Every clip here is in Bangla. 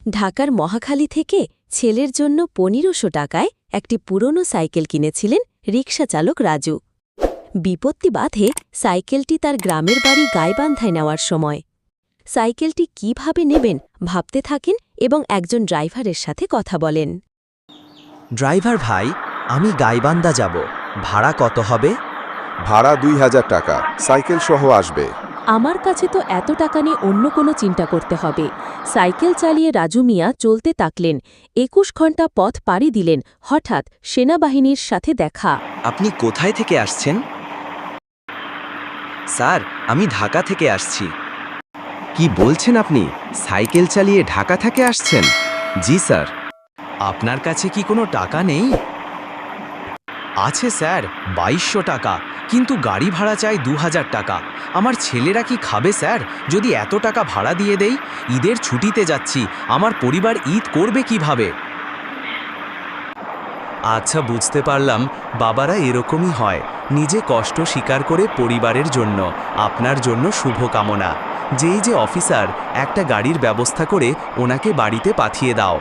ঢাকার মহাখালী থেকে ছেলের জন্য ১৫০০ টাকায় একটি পুরনো সাইকেল কিনেছিলেন রিকশা চালক রাজু। বিপত্তি বাধে সাইকেলটি তার গ্রামের বাড়ি গাইবান্ধায় নেওয়ার সময়। সাইকেলটি কিভাবে নেবেন ভাবতে থাকেন এবং একজন ড্রাইভারের সাথে কথা বলেন। ড্রাইভার ভাই, আমি গাইবান্ধা যাব, ভাড়া কত হবে? ভাড়া ২০০০ টাকা, সাইকেল সহ আসবে। আমার কাছে তো এত টাকা নিয়ে অন্য কোনো চিন্তা করতে হবে। সাইকেল চালিয়ে রাজু মিয়া চলতে থাকলেন। ২১ ঘণ্টা পথ পাড়ি দিলেন। হঠাৎ সেনাবাহিনীর সাথে দেখা। আপনি কোথায় থেকে আসছেন? স্যার, আমি ঢাকা থেকে আসছি। কি বলছেন আপনি? সাইকেল চালিয়ে ঢাকা থেকে আসছেন? জি স্যার। আপনার কাছে কি কোনো টাকা নেই? আছে স্যার, ২২০০ টাকা, কিন্তু গাড়ি ভাড়া চাই ২০০০ টাকা। আমার ছেলেরা কি খাবে স্যার যদি এত টাকা ভাড়া দিয়ে দেই? ঈদের ছুটিতে যাচ্ছি, আমার পরিবার ঈদ করবে কিভাবে? আচ্ছা, বুঝতে পারলাম, বাবারা এরকমই হয়, নিজে কষ্ট স্বীকার করে পরিবারের জন্য। আপনার জন্য শুভকামনা। যেই যে অফিসার, একটা গাড়ির ব্যবস্থা করে ওনাকে বাড়িতে পাঠিয়ে দাও।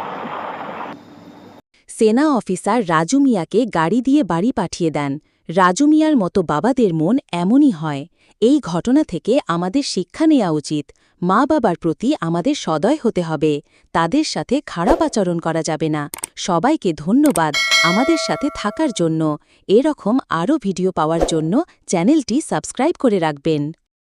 সেনা অফিসার রাজু মিয়াকে গাড়ি দিয়ে বাড়ি পাঠিয়ে দেন। রাজু মিয়ার মতো বাবাদের মন এমনই হয়। এই ঘটনা থেকে আমাদের শিক্ষা নেওয়া উচিত। মা বাবার প্রতি আমাদের সদয় হতে হবে। তাদের সাথে খারাপ আচরণ করা যাবে না। সবাইকে ধন্যবাদ আমাদের সাথে থাকার জন্য। এরকম আরও ভিডিও পাওয়ার জন্য চ্যানেলটি সাবস্ক্রাইব করে রাখবেন।